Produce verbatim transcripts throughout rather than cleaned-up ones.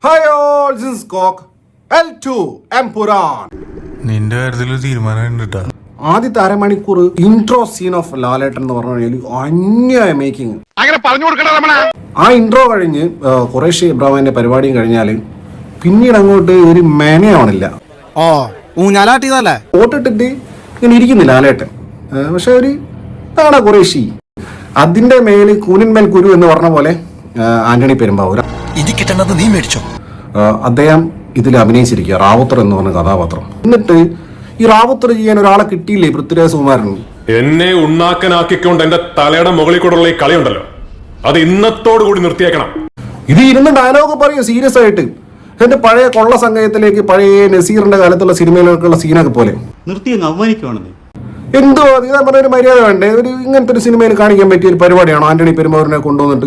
Hi all, this is Cock. L two Empuran. നിന്റെ കാര്യത്തിൽ തീരുമാനം കേട്ടാ. ആദ്യത്തെ അരമണിക്കൂർ ഇൻട്രോ സീൻ ഓഫ് ലാലേട്ടൻ എന്ന് പറഞ്ഞു കഴിഞ്ഞാൽ അന്യായ മേക്കിംഗ്. ആ ഇൻട്രോ കഴിഞ്ഞ് ഖുറൈഷി ഇബ്രാഹിമിന്റെ പരിപാടിയും കഴിഞ്ഞാൽ പിന്നീട് അങ്ങോട്ട് ഒരു മെനയാവണില്ല. ഓ ഊഞ്ഞാലാട്ടിയതല്ലേ ഓട്ടിട്ടിട്ട് ഇങ്ങനെ ഇരിക്കുന്നില്ല ലാലേട്ടൻ. പക്ഷെ ഒരു ഇതാണ് ഖുറൈഷി. അതിന്റെ മേല് കൂനിന്മേൽ കുരു എന്ന് പറഞ്ഞ പോലെ ആന്റണി പെരുമ്പാവൂർ നീ മേടിച്ചോ. അദ്ദേഹം ഇതിൽ അഭിനയിച്ചിരിക്കുക റാവുത്തർ എന്ന് പറഞ്ഞ കഥാപാത്രം. എന്നിട്ട് ഈ റാവുത്തർ ചെയ്യാൻ ഒരാളെ കിട്ടിയില്ലേ പൃഥ്വിരാജ് സുകുമാരൻ. എന്നെ ഉണ്ണാക്കനാക്കിക്കൊണ്ട് എന്റെ തലയുടെ മുകളിൽ കൂടെയുള്ള ഈ കളിയുണ്ടല്ലോ, അത് ഇന്നത്തോടു കൂടി നിർത്തിയേക്കണം. ഇത് ഇരുന്ന് ഡയലോഗ് പറയൂ സീരിയസ് ആയിട്ട്. എന്റെ പഴയ കൊള്ള സംഘയത്തിലേക്ക് പഴയ നസീറിന്റെ കാലത്തുള്ള സിനിമയിലേക്കുള്ള സീനൊക്കെ പോലെ നിർത്തി അവമാനിക്കുവാണെന്ന്. എന്തോ ഇതാ പറഞ്ഞ ഒരു മര്യാദ വേണ്ടേ? ഒരു ഇങ്ങനത്തെ ഒരു സിനിമയിൽ കാണിക്കാൻ പറ്റിയ ഒരു പരിപാടിയാണോ ആന്റണി പെരുമ്പാവൂരിനെ കൊണ്ടുവന്നിട്ട്?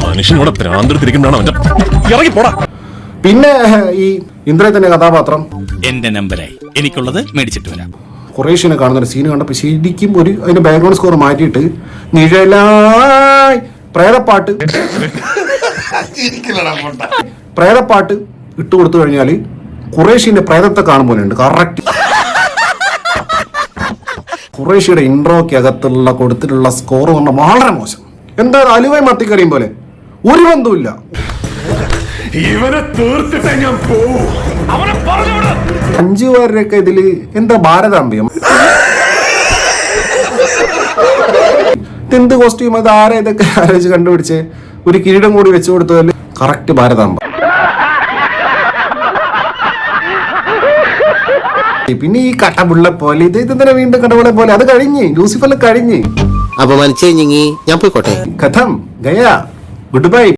പിന്നെ ഈ ഇന്ദ്രത്തിന്റെ കഥാപാത്രം എന്റെ നമ്പരായി എനിക്കുള്ളത് മേടിച്ചിട്ട് വരാം. ഖുറൈഷിനെ കാണുന്ന ഒരു സീൻ കണ്ടപ്പോൾ ശരിക്കും ഒരു അതിന്റെ ബാക്ക്ഗ്രൗണ്ട് സ്കോർ മാറ്റിയിട്ട് നിഴലായി പ്രേതപ്പാട്ട് പ്രേതപ്പാട്ട് ഇട്ട് കൊടുത്തു കഴിഞ്ഞാൽ ഖുറൈഷിന്റെ പ്രേതത്തെ കാണും പോലെ ഉണ്ട്. കറക്റ്റ് ഖുറൈഷിയുടെ ഇൻട്രോയ്ക്ക് അകത്തുള്ള കൊടുത്തിട്ടുള്ള സ്കോർ പറഞ്ഞാൽ വളരെ മോശം. എന്താ അലുവയും മത്തിക്കറിയും പോലെ ഒരു ബന്ധവുമില്ല. ഇവനെ തീർത്തിട്ടേ ഞാൻ പോവൂ. അഞ്ചു പേരുടെയൊക്കെ ഇതില് എന്താ ഭാരതാംബ്യം, ഇതെന്ത് കോസ്റ്റ്യൂം, അത് ആരാ ഇതൊക്കെ ആലോചിച്ച് കണ്ടുപിടിച്ച് ഒരു കിരീടം കൂടി വെച്ചു കൊടുത്തതിൽ കറക്റ്റ് ഭാരതാംബ. പിന്നെ ഈ കടപുള്ള പോലെ ഇത് ഇതെന്തിനാ വീണ്ടും കടപുള്ള പോലെ? അത് കഴിഞ്ഞ് ലൂസിഫറിൽ കഴിഞ്ഞ് അപമാനിച്ചേ ഞാൻ പോയിക്കോട്ടെ. കഥം ഗയാ, ഗുഡ് ബൈ.